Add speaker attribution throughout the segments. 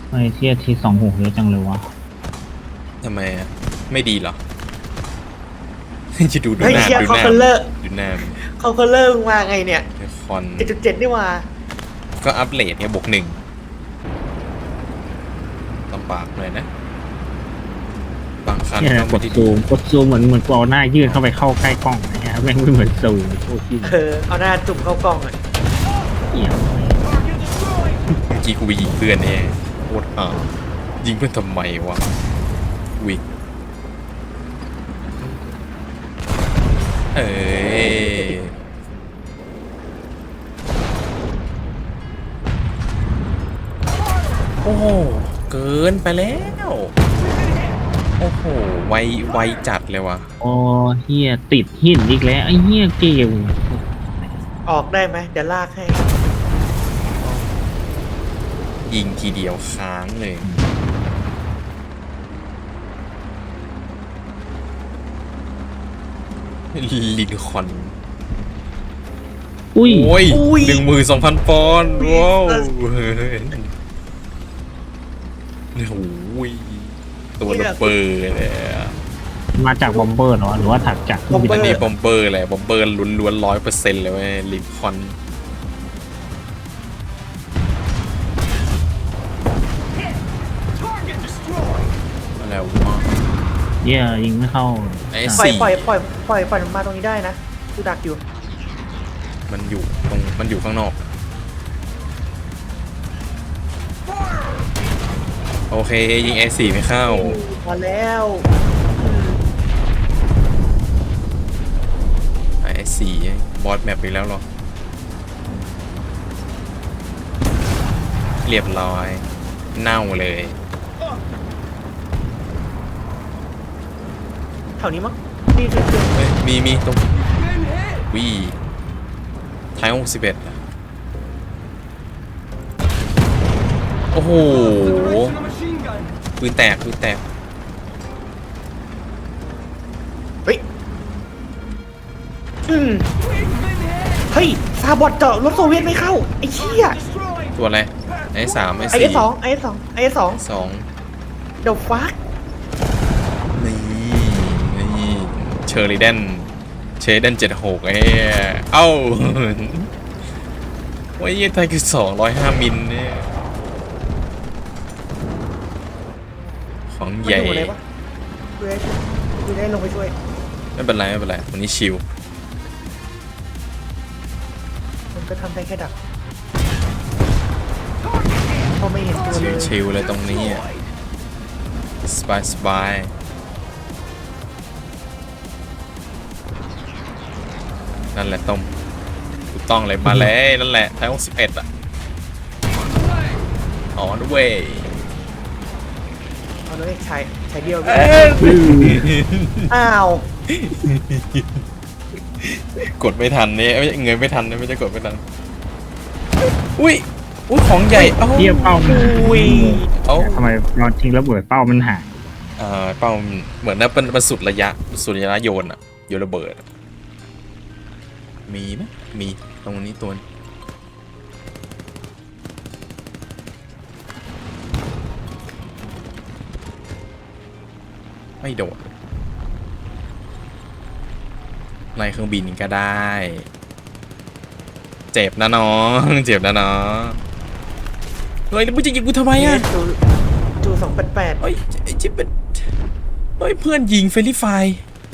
Speaker 1: ไอ้เทียที26เยอะจังเลยวะ
Speaker 2: ทำไมอ่ะไม่ดีเหรอ จะดูห
Speaker 3: เฮ้ย
Speaker 2: น้า
Speaker 3: เชีย
Speaker 2: ดู
Speaker 3: เขา
Speaker 2: หน้า
Speaker 3: คนเลิก
Speaker 2: ดูหน้ามัน
Speaker 3: เขาคนเลิกมาไงเนี่ย
Speaker 2: ไอคอน
Speaker 3: 7.7นี่มา
Speaker 2: ก็อัปเดตเนี่ยบวก 1ลำบากเลยนะบางคัน
Speaker 1: เนี่ย
Speaker 2: ก็
Speaker 1: ก
Speaker 2: ไม่
Speaker 1: ด
Speaker 2: ได้
Speaker 1: ซู
Speaker 2: ดี
Speaker 1: มเหมือนกูเอาหน้ายื่นเข้าไปเข้าใกล้กล้องนะฮะแม่งไม่เหมือนซูมโคตรที่
Speaker 3: เอาหน้าจุ่มเข้ากล้องอ่ะ
Speaker 1: เหี้ย
Speaker 2: เมื่อกี้กูไปยิงเพื่อนเนี่ยโคตรห่ายิงเพื่อนทำไมวะวิเอ้ยโอ้โหเกินไปแล้วโอ้โหไวจัดเลยว่ะ
Speaker 1: โอ้เฮียติดหินอีกแล้วไอ้เฮียเกม
Speaker 3: ออกได้ไหมเดี๋ยวลากให้
Speaker 2: ยิงทีเดียวค้างเลยลินคอน
Speaker 1: อุ้ย
Speaker 2: โอ้ย12,000 ปอนด์ว้าวเฮ้ยโอ้ยตัวระเบิดเลยอะ
Speaker 1: มาจากบอมเบอร์เหรอหรือว่าถักจาก
Speaker 3: บอมเบ
Speaker 2: อันนี้บอมเบอร์แหละบอมเบอร์ล้วน100%เลยเว้ยลินคอนอะไรวะ
Speaker 1: เฮียยิงไม่เข้า
Speaker 2: ไอ้
Speaker 3: ปล่อย
Speaker 2: สี่
Speaker 3: มันมาตรงนี้ได้นะกูดักอยู่
Speaker 2: มันอยู่ข้างนอกโอเคยิง A4 ไม่เข้า
Speaker 3: มาแล้ว
Speaker 2: A4 บอสแมปไปแล้วหรอเรียบร้อยเน่าเลย
Speaker 3: แถวนี้มั้งนี่คือ
Speaker 2: เฮ้ยมีตรงวีท้าย61อะโอ้โหปืนแตก
Speaker 3: เฮ้ยเฮ้ยซาบอดเจาะรถโซเวียตไม่เข้าไอ้เชี่ย
Speaker 2: ตัวอะไรไอ้3ไอ้
Speaker 3: ไอ้
Speaker 2: 4
Speaker 3: สองไอ้สองไอ้สอง
Speaker 2: 2
Speaker 3: เดี๋ยวฟัก
Speaker 2: นี่เชอริเดน76ไอ้เอ้าว่ายี่ไทยคือ205 มิลเนี่ยของใหญ่
Speaker 3: มันอยู่ไหนวะดูได้ลงไปช่วย
Speaker 2: ไม่เป็นไรวันนี้ชิล
Speaker 3: มันก็ทำได้แค่ดักเพราะไม่เห็นตัวเลย
Speaker 2: ชิลเลยตรงนี้อะสบายนั่นแหละต้มถูกต้องเลยมาเลยนั่นแหละท้าย61อ่ะอ๋อด้วย
Speaker 3: เอาเลยใช้เดียว อ้าว
Speaker 2: กดไม่ทันเนี่ยไม่เงยไม่ทันเนี่ยไม่ใช่กดไม่ทันอุ้ยของใหญ่เอ้า
Speaker 1: เทียบเป้ามัน
Speaker 3: อุ้ย
Speaker 2: เอ้า
Speaker 1: ทำไมนอนทิ้งระเบิดเป้ามันหาย
Speaker 2: เป้าเหมือนนะเป็นสุดระยะโยนอะโยนระเบิดมีไหมมีตรงนี้ตัวไม่โดดไล่เครื่องบินก็ได้ เจ็บนะน้องเจ็บนะน้องเฮ้ยแล้วมึงจะยิงกูทำไมอะ
Speaker 3: จู288
Speaker 2: เฮ้ยไอ้จิ๊บเป็นเฮ้ยเพื่อนยิงเฟรนลี่ไฟร์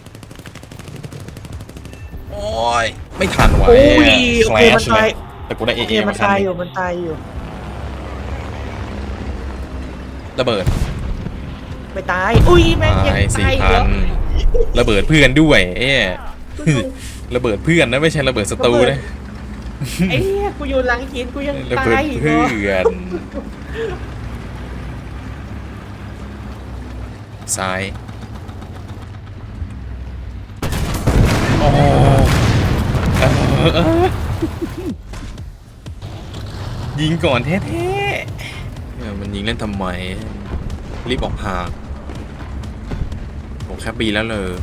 Speaker 2: โอ้ยไม่ทันว่ะ
Speaker 3: โอ้ย
Speaker 2: แค
Speaker 3: โอ
Speaker 2: ล
Speaker 3: เคมัน
Speaker 2: ช
Speaker 3: ตาย
Speaker 2: แต่กูได้เอ
Speaker 3: โอเค
Speaker 2: เอ
Speaker 3: มั
Speaker 2: มาน คัน
Speaker 3: ตาย
Speaker 2: ห
Speaker 3: อ
Speaker 2: นึ่
Speaker 3: ยู่
Speaker 2: ง
Speaker 3: มันตายอยู่
Speaker 2: ระเบิด
Speaker 3: ไม่ตายอุ้ยแม่งยัง
Speaker 2: ตาย
Speaker 3: ตายอีก
Speaker 2: 4,000
Speaker 3: แล้ว
Speaker 2: ระเบิดเพื่อนด้วยระเบิดเพื่อนนะไม่ใช่ระเบิดศัตรูนะ
Speaker 3: ไอ้เนี่ยกูอยู่หลังหินกูยัง
Speaker 2: ระ
Speaker 3: ตา
Speaker 2: เบิด
Speaker 3: ยอีก
Speaker 2: เพื่
Speaker 3: เหรอ
Speaker 2: อนซ้ายโอ้ยิงก่อนแท้ๆมันยิงเล่นทำไมรีบออกห่างผมแค่ปีแล้วเลย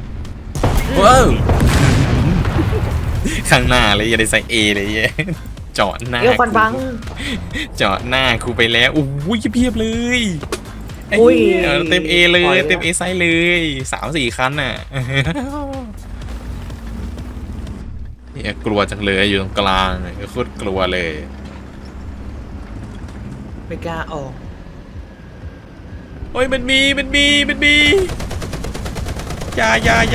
Speaker 2: ว้าวข้างหน้าเลยอย่าได้ใส่ A เลยเย้เจาะหน้า
Speaker 3: เดี๋ยวฟันบัง
Speaker 2: เจาะหน้ากูไปแล้วอุ้ยเพียบเลยไอ้
Speaker 3: อุ้ย
Speaker 2: เหี้ยเต็ม A เล
Speaker 3: ปล่
Speaker 2: ย
Speaker 3: อย
Speaker 2: เต็ม A ไซส์เลย3-4 คันน่ะเนี่ยกลัวจังเลยอยู่ตรงกลางโคตรกลัวเลย
Speaker 3: ไม่กล้าออก
Speaker 2: โอ้ยมันมีอย่า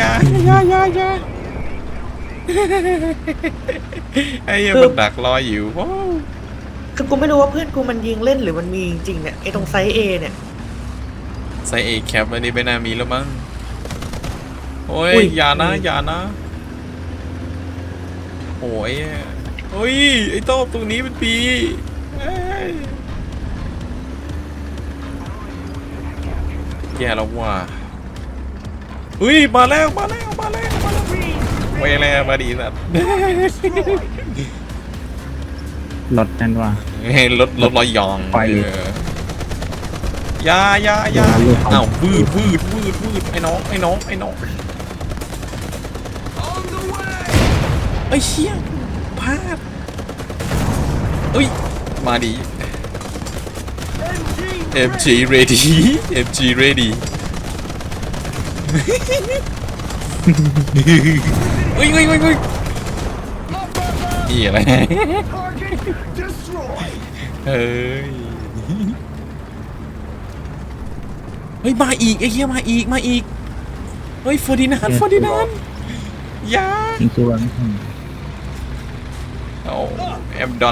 Speaker 2: ไอ้เหี้ยมันดักรออยู่ว้าว
Speaker 3: คือกูไม่รู้ว่าเพื่อนกูมันยิงเล่นหรือมันมีจริงๆเนี่ยไอ้ตรงไซส์ A เนี่ย
Speaker 2: ไซส์ A แคปอันนี้ไม่น่ามีแล้วมั้งโอ้ย
Speaker 3: อุ้ย
Speaker 2: อย่านะโอ้ยเฮ้ยไอ้โต้ตรงนี้มันปีเอ้ยแย่แล้วว่ะอุ้ยมาแล้วเวลามาดีสัตว์
Speaker 1: รถนั่นว่า
Speaker 2: รถลอยยอง
Speaker 1: ไป
Speaker 2: อย่า
Speaker 1: เรือเขา
Speaker 2: อ้าววืดไอ้น้องไอ้เชี่ยพลาดเอ้ยมาดี MG ready เฮ้ยนี่อะไรเฮ้ยมาอีกไอ้เหี้ยมาอีกเฮ้ยเฟอร์ดินานด์อย่า
Speaker 1: จริงๆว่าไม่ใช่
Speaker 2: เอาแอมดอน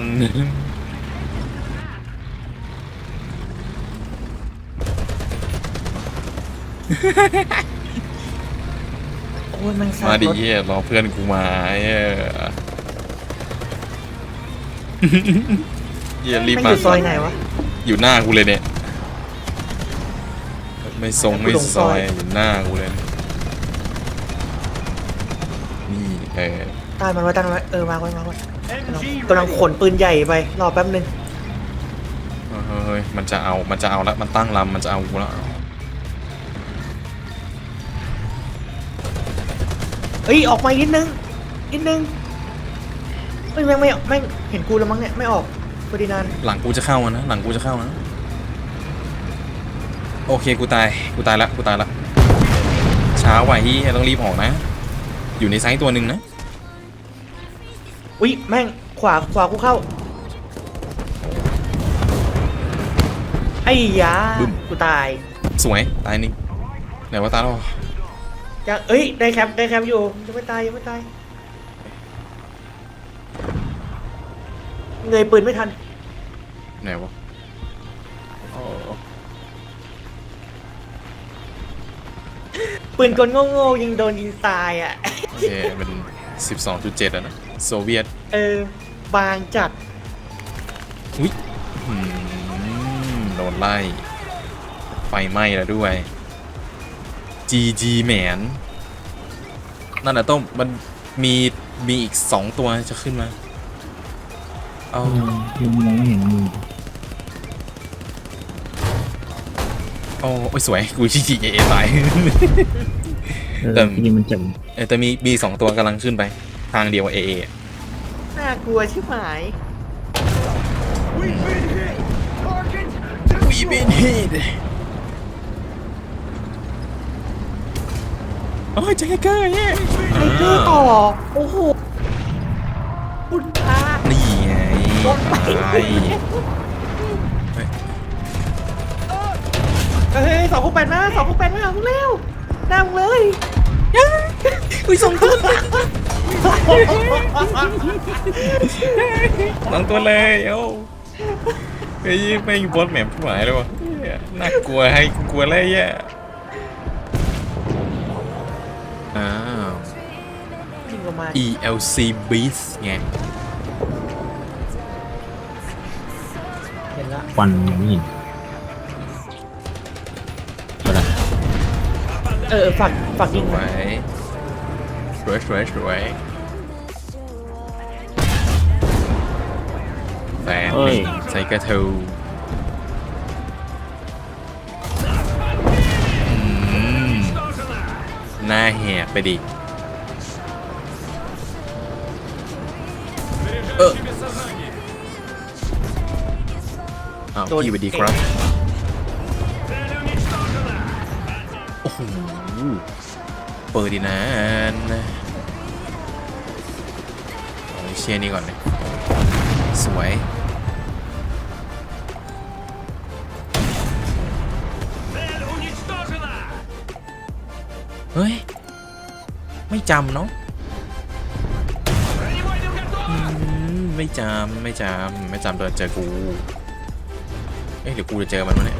Speaker 3: โอ้ยมันซา
Speaker 2: มาดิ
Speaker 3: รถ
Speaker 2: เหี้ยรอเพื่อนกูมาเหี้ยรีบ
Speaker 3: มัน
Speaker 2: มา
Speaker 3: อยู่ซอยไหนวะ
Speaker 2: อยู่หน้ากูเลยเนี่ยไม่ทรงไม่
Speaker 3: กูลง
Speaker 2: ซ
Speaker 3: ซ
Speaker 2: อ
Speaker 3: อย ย
Speaker 2: อยู่หน้ากูเลยนี่
Speaker 3: ตายมันไว้มาไว้กำลังขนปืนใหญ่ไปรอแป๊บนึง
Speaker 2: เฮ้ยมันจะเอาแล้วมันตั้งลำมันจะเอากูแล้ว
Speaker 3: เฮ้ยออกมานิดนึงเฮ้ยแม่งไม่เห็นกูแล้วมั้งเนี่ยไม่ออกพอดีนาน
Speaker 2: หลังกูจะเข้านะโอเคกูตายแล้วช้าไว้ที่ต้องรีบออกนะ อยู่ในไซต์ตัวหนึ่งนะ
Speaker 3: อุ้ยแม่งขวากูเข้าไอ้ยากูตาย
Speaker 2: สวยตายหนึ่งไหนว่าตายแล้ว
Speaker 3: ยังเอ้ยได้แคปอยู่ยังไม่ตายเงยปืนไม่ทัน
Speaker 2: ไหนวะอ๋อ
Speaker 3: ปืนกลโง่ๆยังโดนยิงตายอ่ะ
Speaker 2: โอเคมัน 12.7อะนะโซเวียต
Speaker 3: บางจัด
Speaker 2: อุ้ยโดนไล่ไฟไหม้แล้วด้วย GG แหมนนั่นน่ะต้มมันมีอีก2ตัวจะขึ้นมาเอา
Speaker 1: ยังมองไม่เห็นมือ
Speaker 2: โอ้ยสวยกูชี้เอตาย แต่
Speaker 1: จริงๆมันเจ็บ
Speaker 2: แต่มี2ตัวกำลังขึ้นไปทางเดียวเอ
Speaker 3: น่ากลัวชิบหาย
Speaker 2: วีบินฮิตโอ้ยแจ็คเกอร์เนี่ย
Speaker 3: ไทเกอร์ต่อโอ้โหคุณพระ
Speaker 2: นี่ไง
Speaker 3: รถไป
Speaker 2: ตาย
Speaker 3: เฮ้ย268มาพวกเร็วนั่งเลย
Speaker 2: อุ้ย2 ตัว2 ตัวเลยเอ้าเฮ้ยไม่บอสแหม่มผู้หมายเลยวะน่ากลัวให้กลัวอะไรแย่อ้าว
Speaker 3: ยิงออกมา
Speaker 2: ELC Beast ไง
Speaker 3: เห็นละ
Speaker 1: ควันยังไม่เห็นเอาละ
Speaker 3: ฝากยิง
Speaker 2: ส
Speaker 3: ห
Speaker 2: ว
Speaker 3: น่อย
Speaker 2: ยสวยแฟนหนึ่งใส่กระทูหน้าแหกไปดิอ้าว
Speaker 3: โดน
Speaker 2: พี่สวัสดีครับ โอ้โห เปิดดีนะเอาเชียร์นี่ก่อนเลยสวย เฮ้ย ไม่จำเนาะไม่จำไม่เดินเจอกู เอ๊ะเดี๋ยวกูจะเจอมันวะเนี่ย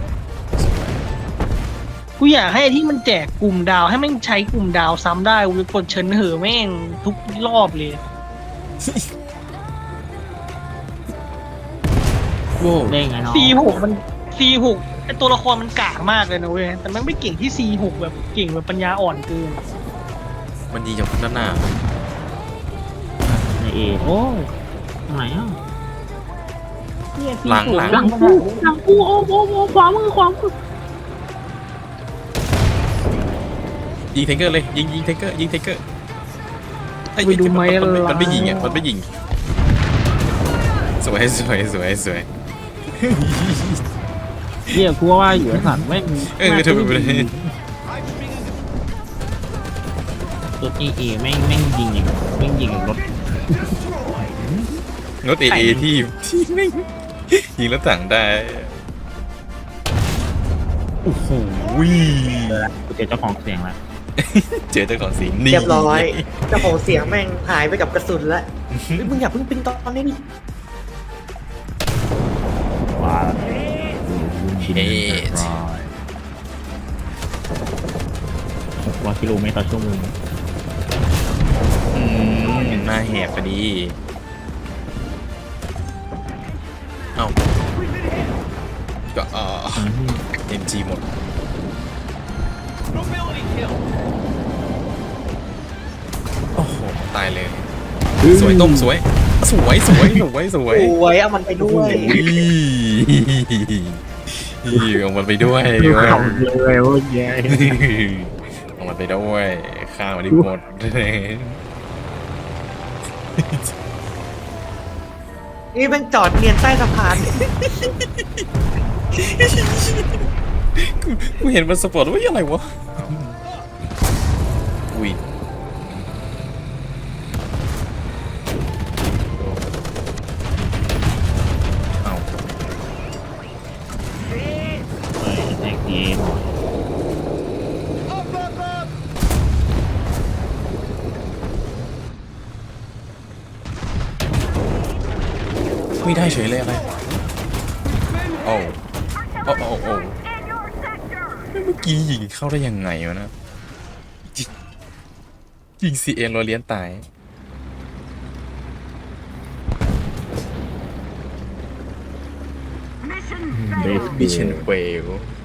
Speaker 4: กูอยากให้ที่มันแจกกลุ่มดาวให้แม่งใช้กลุ่มดาวซ้ำได้กูจะกดเชิญเหอะแม่งทุกรอบเลย
Speaker 2: โว้ว
Speaker 1: ได้ไงน้อง
Speaker 4: C6 มัน C6 ไอตัวละครมันกากมากเลยนะเว้ยแต่แม่งไม่เก่งที่ C6 แบบเก่งแบบปัญญาอ่อนเกิน
Speaker 2: มันยิงจากด้านหน้า
Speaker 1: ในเอโอ้ยตรงไหนอ่ะเนี่ย
Speaker 2: หลัง
Speaker 1: หลังกูโอ้ขวามือ
Speaker 2: ยิงเทงเกอร์เลย ยิงเทงเกอร์เอ้ย
Speaker 4: ไปดูไหม
Speaker 2: มันไม่ยิงอ่ะมันไม่ยิง สวย
Speaker 1: เนี่ยกูว่าอยู่ไอ้สัตว์แม่ง
Speaker 2: เออทำไมไม่ได้
Speaker 1: ตัวเอแม่งยิงอย่างรถ
Speaker 2: รถเอที่ไม่ยิงแล้วสั่งได้ โอ้โห
Speaker 1: กูเจอเจ้าของเสียงแล้ว
Speaker 2: เจอเจ้าของสีนี่
Speaker 3: เรียบร้อยเจ้าของเสียงแม่งหายไปกับกระสุนแล้วเฮ้ยมึงอย่าเพิ่งปิงตอนนี้ดิ
Speaker 1: ว้า
Speaker 2: เอ๊ะ
Speaker 1: 600 กิโลเมตรต่อชั่วโมง
Speaker 2: หน้าแหบพอดี เอ้าก็MG หมด โอ้โห ตายเลย สวยต้มสวย
Speaker 3: เอามันไปด้วย
Speaker 2: เอามันไปด้วย
Speaker 1: ขำเลยว่าแย่
Speaker 2: เอามันไปด้วยข้าวมันได้หมด
Speaker 3: นี่แม่งจอดเนียนใต้สะพาน
Speaker 2: กูเห็นมันสปอร์ตว่าอะไรวะ อุ้ย เอา
Speaker 1: แท็กเอ
Speaker 2: ไม่ได้เฉยเลยอะไรโอ้เมื่อกี้ยิงเข้าได้ยังไงวะนะ ยิงCNเราเลี้ยนตาย
Speaker 1: เบส
Speaker 2: Mission fail